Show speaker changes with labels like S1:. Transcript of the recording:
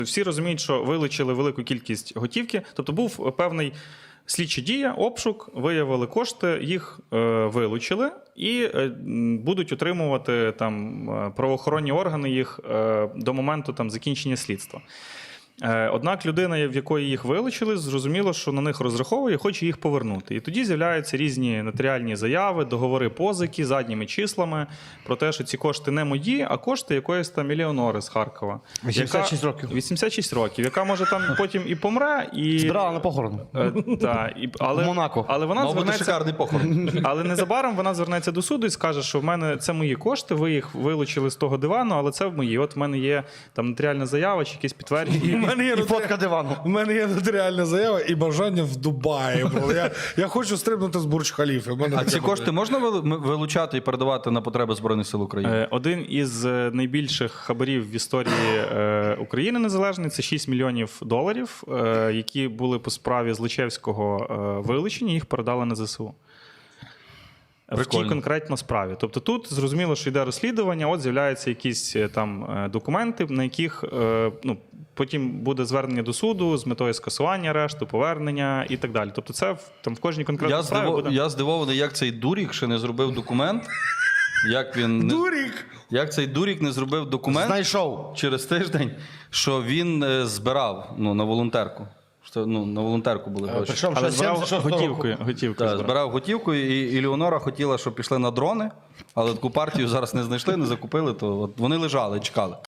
S1: Всі розуміють, що вилучили велику кількість готівки, тобто був певний слідча дія, обшук, виявили кошти, їх вилучили і будуть утримувати там правоохоронні органи їх до моменту там закінчення слідства. Однак людина, в якої їх вилучили, зрозуміло, що на них розраховує, хоче їх повернути. І тоді з'являються різні нотаріальні заяви, договори позики задніми числами про те, що ці кошти не мої, а кошти якоїсь там мільйонери з Харкова.
S2: 86 років.
S1: 86 років, яка може там потім і помре, і...
S2: Збирала на похорон.
S1: Але,
S2: в Монако.
S1: але вона
S3: Мав бути
S1: звернеться...
S3: шикарний похорон.
S1: Але незабаром вона звернеться до суду і скаже, що в мене це мої кошти, ви їх вилучили з того дивану, але це мої. От в мене є там нотаріальна заява чи якісь підтвердження.
S2: І фотка дивану.
S4: У мене є нотаріальна заява і бажання в Дубаї. Я хочу стрибнути з Бурдж-Халіфи.
S3: А ці кошти можна вилучати і передавати на потреби Збройних сил України?
S1: Один із найбільших хабарів в історії України незалежної – це 6 мільйонів доларів, які були по справі Злочевського вилучені, їх передали на ЗСУ. В тій конкретно справі. Тобто тут зрозуміло, що йде розслідування, от з'являються якісь там документи, на яких потім буде звернення до суду з метою скасування арешту, повернення і так далі. Тобто це там в кожній конкретній справі буде...
S3: Я здивований, як цей дурік ще не зробив документ. Як цей дурік не зробив документ
S2: Знайшов.
S3: через тиждень, що він збирав на волонтерку. На волонтерку були гроші.
S2: Причому
S1: Але
S2: ще
S1: збирав
S2: 76-го
S1: готівку.
S3: Так, збирав готівку, і Леонора хотіла, щоб пішли на дрони, але таку партію зараз не знайшли, не закупили, то от вони лежали, чекали.